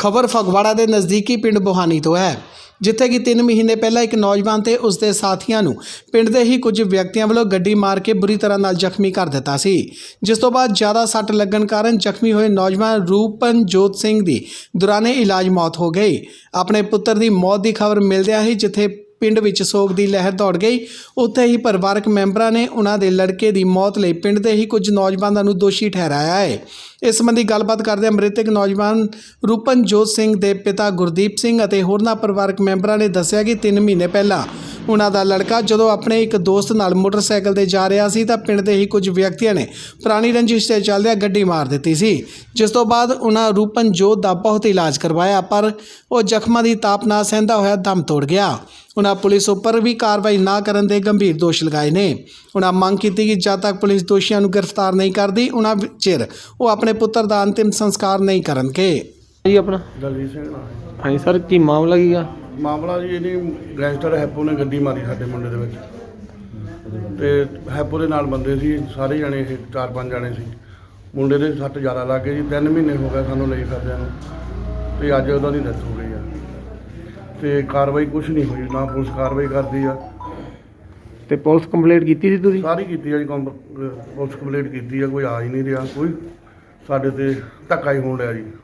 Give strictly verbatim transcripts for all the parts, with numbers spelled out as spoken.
खबर फगवाड़ा के नज़दीकी पिंड बोहानी तो है, जिथे कि तीन महीने पहला एक नौजवान ते उसके साथियों नूं पिंड दे ही कुछ व्यक्तियों वालों गड्डी मार के बुरी तरह नाल जख्मी कर दिता सी। जिस तो बाद ज़्यादा सट लगन कारण जख्मी हुए नौजवान रूपनजोत सिंह दी दौराने इलाज मौत हो गई। अपने पुत्र की मौत की खबर मिलदियां ही जिथे पिंड विच सोग की लहर दौड़ गई, उत्थे ही परिवारक मैंबरां ने उन्हां दे लड़के की मौत लई पिंड दे ही कुछ नौजवानों नूं दोषी ठहराया है। इस संबंधी गलबात करदे मृतक नौजवान रूपनजोत सिंह के पिता गुरदीप सिंह और होरनां परिवारक मैंबरां ने दस्सिया कि तीन महीने पहला उन्हां दा लड़का जदों अपने एक दोस्त नाल मोटरसाइकिल ते जा रहा सी तां पिंड दे ही कुछ व्यक्तियों ने पुरानी रंजिश ते चलदिआं गड्डी मार दित्ती सी, जिस तो बाद उन्हां रूपनजोत दा बहुत इलाज करवाया पर वो जख्मां दी ताप ना सहंदा होया दम तोड़ गया। उन्हां पुलिस उपर भी कार्रवाई ना करन दे गंभीर दोष लगाए ने। उन्हां मंग कीती कि जद तक पुलिस दोषियों नूं गिरफ्तार नहीं करती उन्हां चिर वो अपने पुत्र का अंतिम संस्कार नहीं करनगे। जी अपना दलजीत सिंह नाम है। हाँ जी सर, की मामला की गा? ਮਾਮਲਾ ਜੀ ਇਹਦੀ ਗੈਂਗਸਟਰ ਹੈਪੋ ਨੇ ਗੱਡੀ ਮਾਰੀ ਸਾਡੇ ਮੁੰਡੇ ਦੇ ਵਿੱਚ ਤੇ ਹੈਪੋ ਦੇ ਨਾਲ ਬੰਦੇ ਸੀ ਸਾਰੇ ਜਣੇ, ਇਹ ਚਾਰ ਪੰਜ ਜਣੇ ਸੀ। ਮੁੰਡੇ ਦੇ ਸੱਟ ਜ਼ਿਆਦਾ ਲੱਗ ਗਏ ਜੀ, ਤਿੰਨ ਮਹੀਨੇ ਹੋ ਗਏ ਸਾਨੂੰ ਲਈ ਫਿਰਦਿਆਂ ਨੂੰ ਤੇ ਅੱਜ ਉਹਦਾ ਦੀ ਡੈਥ ਹੋ ਗਈ ਆ ਤੇ ਕਾਰਵਾਈ ਕੁਝ ਨਹੀਂ ਹੋਈ, ਨਾ ਪੁਲਿਸ ਕਾਰਵਾਈ ਕਰਦੀ ਆ। ਤੇ ਪੁਲਿਸ ਕੰਪਲੇਂਟ ਕੀਤੀ ਸੀ ਤੁਸੀਂ? ਸਾਰੀ ਕੀਤੀ ਆ ਜੀ, ਕੰਪ- ਪੁਲਿਸ ਕੰਪਲੇਂਟ ਕੀਤੀ ਆ, ਕੋਈ ਆ ਹੀ ਨਹੀਂ ਰਿਹਾ, ਕੋਈ ਸਾਡੇ ਤੇ ਧੱਕਾ ਹੀ ਹੋਣ ਰਿਹਾ ਜੀ।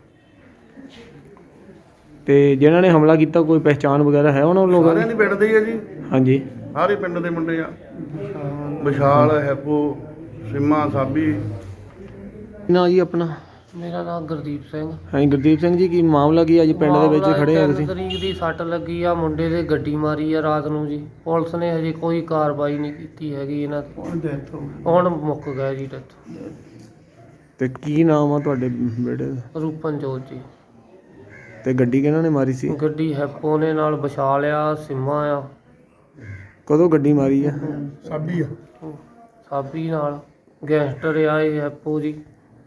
ਤੇ ਜਿਨ੍ਹਾਂ ਨੇ ਹਮਲਾ ਕੀਤਾ ਕੋਈ ਪਹਿਚਾਣ ਵਗੈਰਾ ਹੈ ਉਹਨਾਂ ਲੋਕਾਂ ਸਾਰਿਆਂ ਦੀ? ਦੀ ਪਿੰਡ ਦੇ ਹੀ ਆ ਜੀ, ਹਾਂਜੀ, ਸਾਰੇ ਪਿੰਡ ਦੇ ਮੁੰਡੇ ਆ। ਵਿਸ਼ਾਲ, ਹੈਪੋ, ਸਿੰਮਾ, ਸਾਬੀ। ਨਾ ਜੀ ਆਪਣਾ? ਮੇਰਾ ਨਾਮ ਗੁਰਦੀਪ ਸਿੰਘ। ਹਾਂਜੀ ਗੁਰਦੀਪ ਸਿੰਘ ਜੀ, ਕੀ ਮਾਮਲਾ ਕੀ ਅੱਜ ਪਿੰਡ ਦੇ ਵਿੱਚ ਖੜੇ ਆ ਤੁਸੀਂ? ਤਿੰਨ ਤਰੀਕ ਦੀ ਸੱਟ ਲੱਗੀ ਆ, ਮੁੰਡੇ ਦੇ ਗੱਡੀ ਮਾਰੀ ਆ ਰਾਤ ਨੂੰ ਜੀ। ਪੁਲਿਸ ਨੇ ਹਜੇ ਕੋਈ ਕਾਰਵਾਈ ਨਹੀਂ ਕੀਤੀ ਹੈਗੀ ਇਹਨਾਂ ਤੇ, ਹੁਣ ਮੁੱਕ ਗਿਆ ਜੀ ਡੈਥ। ਤੇ ਕੀ ਨਾਮ ਆ ਤੁਹਾਡੇ ਬੇਟੇ ਦਾ? ਰੂਪਨਜੋਤ ਜੀ। ਤੇ ਗੱਡੀ ਕਿਹਨਾਂ ਨੇ ਮਾਰੀ ਸੀ? ਗੱਡੀ ਹੈਪੋ ਨੇ ਨਾਲ ਵਿਛਾ ਲਿਆ, ਸਿੰਮਾ ਆ, ਕਦੋਂ ਗੱਡੀ ਮਾਰੀ ਆ? ਸਾਬੀ ਆ। ਸਾਬੀ ਨਾਲ ਗੈਂਗਸਟਰ ਆ ਇਹ ਹੈਪੋ ਜੀ।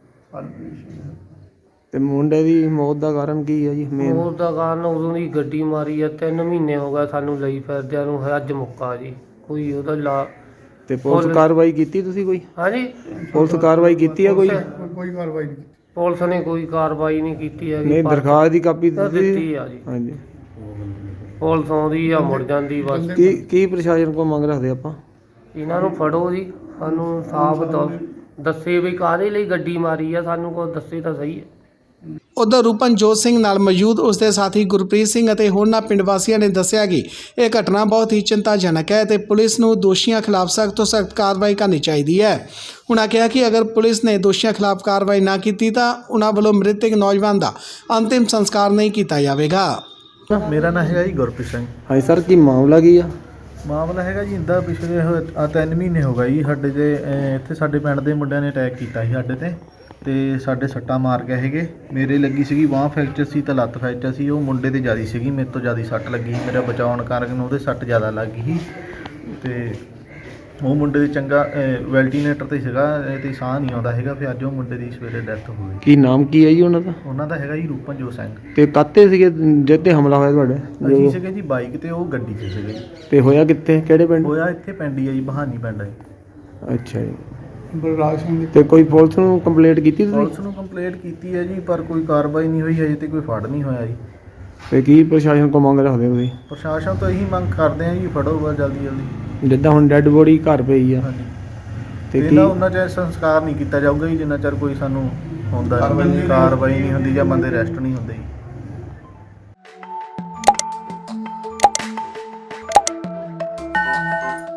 ਤੇ ਮੁੰਡੇ ਦੀ ਮੌਤ ਦਾ ਕਾਰਨ ਕੀ ਆ ਜੀ ਮੇਨ? ਮੌਤ ਦਾ ਕਾਰਨ ਉਦੋਂ ਦੀ ਗੱਡੀ ਮਾਰੀ ਆ, ਤਿੰਨ ਮਹੀਨੇ ਹੋ ਗਏ ਸਾਨੂੰ ਲਈ ਫਿਰਦਿਆਂ ਨੂੰ, ਅੱਜ ਮੁੱਕਾ ਜੀ। ਕੋਈ ਉਹਦਾ ਲਾ ਤੇ ਪੁਲਿਸ ਕਾਰਵਾਈ ਕੀਤੀ ਤੁਸੀਂ ਕੋਈ? ਹਾਂਜੀ, ਪੁਲਿਸ ਕਾਰਵਾਈ ਕੀਤੀ ਆ ਕੋਈ? ਕੋਈ ਕਾਰਵਾਈ ਨਹੀਂ। ਪੁਲਿਸ ਨੇ ਕੋਈ ਕਾਰਵਾਈ ਨਹੀਂ ਕੀਤੀ ਹੈਗੀ। ਨਹੀਂ, ਦਰਖਾਸਤ ਦੀ ਕਾਪੀ ਦਿੱਤੀ ਦਿੱਤੀ? ਆ ਜੀ। ਹਾਂਜੀ। ਪੁਲਿਸ ਆਉਂਦੀ ਆ ਮੁੜ ਜਾਂਦੀ ਬਸ। ਕੀ ਕੀ ਪ੍ਰਸ਼ਾਸਨ ਕੋਲ ਮੰਗ ਰੱਖਦੇ ਆਪਾਂ? ਇਹਨਾਂ ਨੂੰ ਫੜੋ ਜੀ, ਸਾਨੂੰ ਸਾਫ ਦੱਸੇ ਵੀ ਕਾਹਦੇ ਲਈ ਗੱਡੀ ਮਾਰੀ ਆ, ਸਾਨੂੰ ਕੋਈ ਦੱਸੇ ਤਾਂ ਸਹੀ ਹੈ। उधर रूपनजोत सिंह नाल मौजूद उसके साथी गुरप्रीत सिंह और होरनां पिंड वासियों ने दस्सिया कि यह घटना बहुत ही चिंताजनक है तो पुलिस नूं दोषियों खिलाफ सख्त तो सख्त कार्रवाई करनी चाहिए है। उन्होंने कहा कि अगर पुलिस ने दोषियों खिलाफ कार्रवाई ना की तो उन्होंने वालों मृतक नौजवान का अंतिम संस्कार नहीं किया जाएगा। ਮੇਰਾ ਨਾਂ ਹੈਗਾ ਜੀ ਗੁਰਪ੍ਰੀਤ ਸਿੰਘ। ਹਾਂਜੀ ਸਰ, ਕੀ ਮਾਮਲਾ ਕੀ ਆ? ਮਾਮਲਾ ਹੈਗਾ ਜੀ ਇੱਦਾਂ, ਪਿਛਲੇ ਹੋਏ- ਆਹ ਤਿੰਨ ਮਹੀਨੇ ਹੋ ਗਏ ਜੀ ਸਾਡੇ ਤੇ ਅਹ, ਇੱਥੇ ਸਾਡੇ ਪਿੰਡ ਦੇ ਮੁੰਡਿਆਂ ਨੇ ਅਟੈਕ ਕੀਤਾ ਸੀ ਸਾਡੇ ਤੇ ਤੇ ਸਾਡੇ ਸੱਟਾਂ ਮਾਰ ਗਏ ਹੈਗੇ। ਮੇਰੇ ਲੱਗੀ ਸੀਗੀ ਬਾਂਹ ਫ੍ਰੈਕਚਰ ਸੀ ਤੇ ਲੱਤ ਫ੍ਰੈਕਚਰ ਸੀ, ਉਹ ਮੁੰਡੇ ਤੇ ਜ਼ਿਆਦਾ ਸੀਗੀ, ਮੇਰੇ ਤੋਂ ਜ਼ਿਆਦਾ ਸੱਟ ਲੱਗੀ ਸੀ। ਮੇਰਾ ਬਚਾਉਣ ਕਾਰਨ ਉਹਦੇ ਸੱਟ ਜ਼ਿਆਦਾ ਲੱਗ ਗਈ ਸੀ ਤੇ ਉਹ ਮੁੰਡੇ ਦੇ ਚੰਗਾ ਵੈਲਟੀਨੇਟਰ ਤੇ ਸੀਗਾ ਤੇ ਸਾਹ ਨਹੀਂ ਆਉਂਦਾ ਹੈਗਾ। ਫਿਰ ਅੱਜ ਉਹ ਮੁੰਡੇ ਦੀ ਸਵੇਰੇ ਡੈਥ ਹੋ ਗਈ। ਕੀ ਨਾਮ ਕੀ ਹੈ ਜੀ ਉਹਨਾਂ ਦਾ? ਉਹਨਾਂ ਦਾ ਹੈਗਾ ਜੀ ਰੂਪਨਜੋਤ ਸਿੰਘ। ਤੇ ਕਾਤੇ ਸੀਗੇ ਜਦ ਤੇ ਹਮਲਾ ਹੋਇਆ ਤੁਹਾਡੇ? ਅਸੀਂ ਸੀਗੇ ਜੀ ਬਾਈਕ ਤੇ, ਉਹ ਗੱਡੀ 'ਤੇ ਸੀਗੇ। ਤੇ ਹੋਇਆ ਕਿੱਥੇ, ਕਿਹੜੇ ਪਿੰਡ? ਹੋਇਆ ਇੱਥੇ ਪਿੰਡ ਹੀ ਆ ਜੀ, ਬਹਾਨੀ ਪਿੰਡ ਹੈ। ਅੱਛਾ ਜੀ। ਤੇ ਕੋਈ ਪੁਲਿਸ ਨੂੰ ਕੰਪਲੇਂਟ ਕੀਤੀ ਤੁਸੀਂ? ਪੁਲਿਸ ਨੂੰ ਕੰਪਲੇਂਟ ਕੀਤੀ ਹੈ ਜੀ, ਪਰ ਕੋਈ ਕਾਰਵਾਈ ਨਹੀਂ ਹੋਈ ਹਜੇ ਤੇ ਕੋਈ ਫੜ ਨਹੀਂ ਹੋਇਆ ਜੀ। ਤੇ ਕੀ ਪ੍ਰਸ਼ਾਸਨ ਕੋ ਮੰਗ ਰੱਖਦੇ ਹੋ ਤੁਸੀਂ? ਪ੍ਰਸ਼ਾਸਨ ਤੋਂ ਇਹੀ ਮੰਗ ਕਰਦੇ ਆ ਜੀ, ਫੜੋ ਬਸ ਜਲਦੀ ਜਲਦੀ। ਜਿੱਦਾਂ ਹੁਣ ਡੈੱਡ ਬੋਡੀ ਘਰ ਪਈ ਆ ਹਾਂਜੀ, ਤੇ ਕੀ ਇਹਦਾ ਉਹਨਾਂ ਚਿਰ ਸੰਸਕਾਰ ਨਹੀਂ ਕੀਤਾ ਜਾਊਗਾ ਜੀ ਜਿੰਨਾ ਚਿਰ ਕੋਈ ਸਾਨੂੰ ਹੁੰਦਾ ਨਹੀਂ, ਕਾਰਵਾਈ ਨਹੀਂ ਹੁੰਦੀ ਜਾਂ ਬੰਦੇ ਅਰੈਸਟ ਨਹੀਂ ਹੁੰਦੇ ਜੀ।